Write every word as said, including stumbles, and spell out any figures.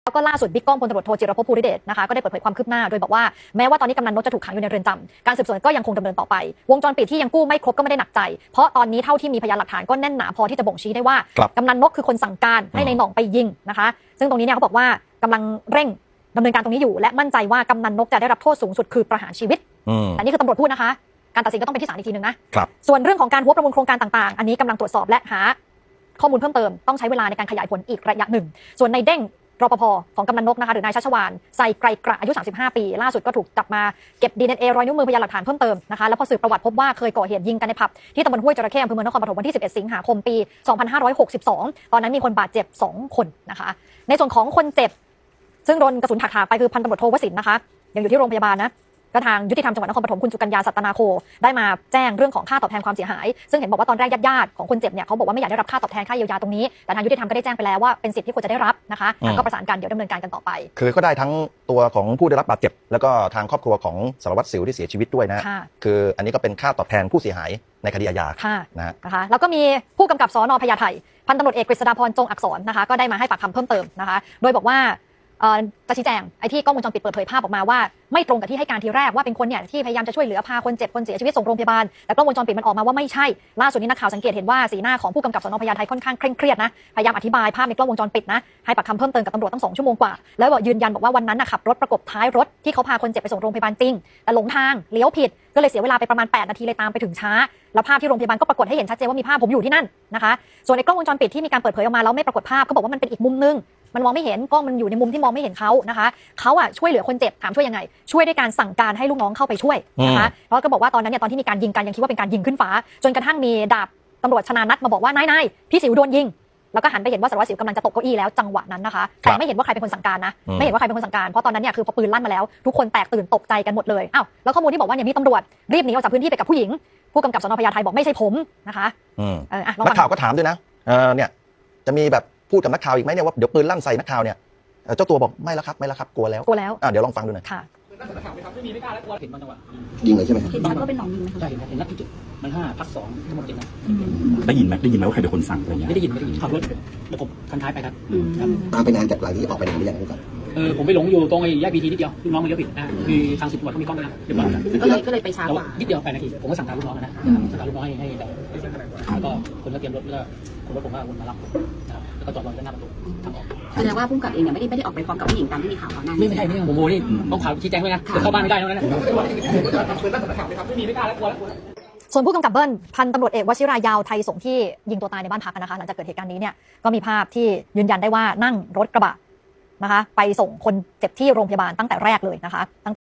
แล้วก็ล่าสุดบิ๊กก้องพลตำรวจโทจิรภพภูริเดชนะคะก็ได้เปิดเผยความคืบหน้าโดยบอกว่าแม้ว่าตอนนี้กำนันนกจะถูกขังอยู่ในเรือนจำการสืบสวนก็ยังคงดำเนินต่อไปวงจรปิดที่ยังกู้ไม่ครบก็ไม่ได้หนักใจเพราะตอนนี้เท่าที่มีพยานหลักฐานก็แน่นหนาพอที่จะบ่งชี้ได้ว่ากำนันนกคือคนสั่งการให้ในหน่องไปยิงนะคะซึ่งตรงนี้เนี่ยเขาบอกว่ากำลังเร่งดำเนินการตรงนี้อยู่และมั่นใจว่ากำนันนกจะได้รับโทษสูงสุดคือประหารชีวิตแต่นี่คือตำรวจพูดนะคะการตัดสินก็ต้องเป็นที่ศาลอีกทีนึงนะส่วนเรื่องของการหัวประมูลโครงการต่างๆอันนี้กำลังตรวจสอบและหาข้อมูลเพิ่มเติมต้องใช้เวลาในการขยายผลอีกระยะหนึ่งส่วนในเด้งรปภของกำนันนกนะคะหรือนายชัชวาลไซไกรกระอายุสามสิบห้าปีล่าสุดก็ถูกจับมาเก็บ ดี เอ็น เอ รอยนิ้วมือพยานหลักฐานเพิ่มเติมนะคะแล้วพอสืบประวัติพบว่าเคยก่อเหตุยิงกันในผับที่ตำบลห้วยจระเข้อำเภอเมืองนครปฐมวันที่สิบเอ็ดสิงหาคมปีสองพันห้าร้อยหกสิบสองตอนนั้นมีคนบาดเจ็บสองคนนะคะในส่วนของคนเจ็บซึ่งโดนกระสุนถากถากไปคือพันตำรวจโทวสินทร์นะคะยังอยู่ที่โรงพยาบาลนะก็ทางยุติธรรมจังหวัดนครปฐมคุณสุกัญญาสัตนาโคได้มาแจ้งเรื่องของค่าตอบแทนความเสียหายซึ่งเห็นบอกว่าตอนแรกญาติๆของคนเจ็บเนี่ยเขาบอกว่าไม่อยากได้รับค่าตอบแทนค่าเยียวยาตรงนี้แต่ทางยุติธรรมก็ได้แจ้งไปแล้วว่าเป็นสิทธิ์ที่ควรจะได้รับนะคะก็ประสานกันเดี๋ยวดำเนินการกันต่อไปคือก็ได้ทั้งตัวของผู้ได้รับบาดเจ็บแล้วก็ทางครอบครัวของสารวัตรสิวที่เสียชีวิตด้วยนะคืออันนี้ก็เป็นค่าตอบแทนผู้เสียหายในคดีอาญานะนะคะแล้วก็มีผู้กำกับสน.พญาไทพันตำรวจเอกกฤษฎาพรจงอักษรนะคะก็ได้มาให้ปากคำเพิ่มเติมนะคะโดยบอกว่าจะชี้แจงไอ้ที่กล้องวงจรปิดเปิดเผยภาพออกมาว่าไม่ตรงกับที่ให้การทีแรกว่าเป็นคนเนี่ยที่พยายามจะช่วยเหลือพาคนเจ็บคนเสียชีวิตส่งโรงพยาบาลแต่กล้องวงจรปิดมันออกมาว่าไม่ใช่ล่าสุดนี้นักข่าวสังเกตเห็นว่าสีหน้าของผู้กำกับสน.พญาไทค่อนข้างเคร่งเครียดนะพยายามอธิบายภาพในกล้องวงจรปิดนะให้ปากคำเพิ่มเติมกับตำรวจตั้งสองชั่วโมงกว่าแล้วยืนยันบอกว่าวันนั้นขับรถประกบท้ายรถที่เขาพาคนเจ็บไปส่งโรงพยาบาลจริงแต่หลงทางเลี้ยวผิดก็เลยเสียเวลาไปประมาณแปดนาทีเลยตามไปถึงช้าแล้วภาพที่โรงพยาบาลก็ปรากฏให้เห็นชัดเจนว่ามีภาพผมอยู่ที่นั่นนะคะส่วนในกล้องวงจรปิดที่มีการเปิดเผยออกมาแล้วไม่ปรากฏภาพก็บอกว่ามันเป็นอีกมุมนึงมันมองไม่เห็นกล้องมันอยู่ในมุมที่มองไม่เห็นเขานะคะเขาอ่ะช่วยเหลือคนเจ็บถามช่วยยังไงช่วยด้วยการสั่งการให้ลูกน้องเข้าไปช่วยนะคะเพราะก็บอกว่าตอนนั้นเนี่ยตอนที่มีการยิงกันยังคิดว่าเป็นการยิงขึ้นฟ้าจนกระทั่งมีดาบตำรวจชนานัทมาบอกว่านายนายพี่สิวโดนยิงแล้วก็หันไปเห็นว่าสารวัตรสิวกำลังจะตกเก้าอี้แล้วจังหวะนั้นนะคะแต่ไม่เห็นว่าใครเป็นคนสั่งการนะไม่เห็นว่าใครเป็นคนสั่งการเพราะตอนนั้นเนี่ยคือพอปืนลั่นมาแล้วทุกคนแตกตื่นตกใจกันหมดเลยอ้าวแล้วข้อมูลที่บอกว่าเนี่ยมีตำรวจรีบหนีออกจากพื้นที่ไปกับผู้หญิงผู้กำกับสน.พญาไทบอกไม่ใช่ผมนะคะนักข่าวก็ถามด้วยนะเนี่ยจะมีแบบพูดกับนักข่าวอีกไหมเนี่ยว่าเดี๋ยวปืนลั่นใส่นักข่าวเนี่ยเจ้าตัวบอกไม่แล้วครับไม่แล้วครับกลัวแล้วกลัวแล้วเดี๋ยวลองฟังดูหน่อยค่ะนักข่าวไปทำไม่มีไม่กล้าแล้วกลัวเห็นบางจังหวะยิงเลยใช่ไหมเห็นชัดว่าเป็นหนองยิงไหมคะใช่เห็นเห็นนัดที่จุดมันห้าพักสองทั้งหมดเจ็ดนัดได้ยินไหมได้ยินไหมว่าใครเป็นคนสั่งอะไรเงี้ยไม่ได้ยินไม่ได้ยินขับรถประกบคันท้ายไปครับตามไปนานจากหลังที่ออกไปหนึ่งหรือยังครับเออผมไปหลงอยู่ตรงไอ้แยกพีทีนิดเดียวลูกน้องมันเลี้ยวผิดนะคือทางสืบตำรวจเขามีกล้องด้วยนะเรียบร้อยก็เลยก็เลยไปช้ากว่านิดเดียวแปดนาทีผมก็สั่งการลูกน้องนะสั่งการลูกน้องให้ให้เราแล้วก็คนก็เตรียมรถแล้วคนรถผมก็วนมารับนะครับแล้วก็จอดรอด้านหน้าประตูทางออกแสดงว่าผู้กำกับเองเนี่ยไม่ได้ไม่ได้ออกไปพร้อมกับผู้หญิงตามที่มีข่าวก่อนหน้าไม่ไม่ใช่ไม่ใช่ผมโมนี่ต้องข่าวชี้แจงด้วยนะเข้าบ้านไม่ได้เท่านั้นนะไม่มีไม่กล้าแล้วกลัวแล้วส่วนผู้กำกับเบิ้ลพันตำรวจเอกวชิรายาวไทยสงฆ์ที่ยิงตัวตายในบ้านพักนะคะหลังจากเกิดเหตุการณ์นี้เนี่ยก็มีภาพที่ยืนยันได้ว่านั่งรถกระบะนะคะไปส่งคนเจ็บที่โรงพยาบาลตั้งแต่แรกเลยนะคะ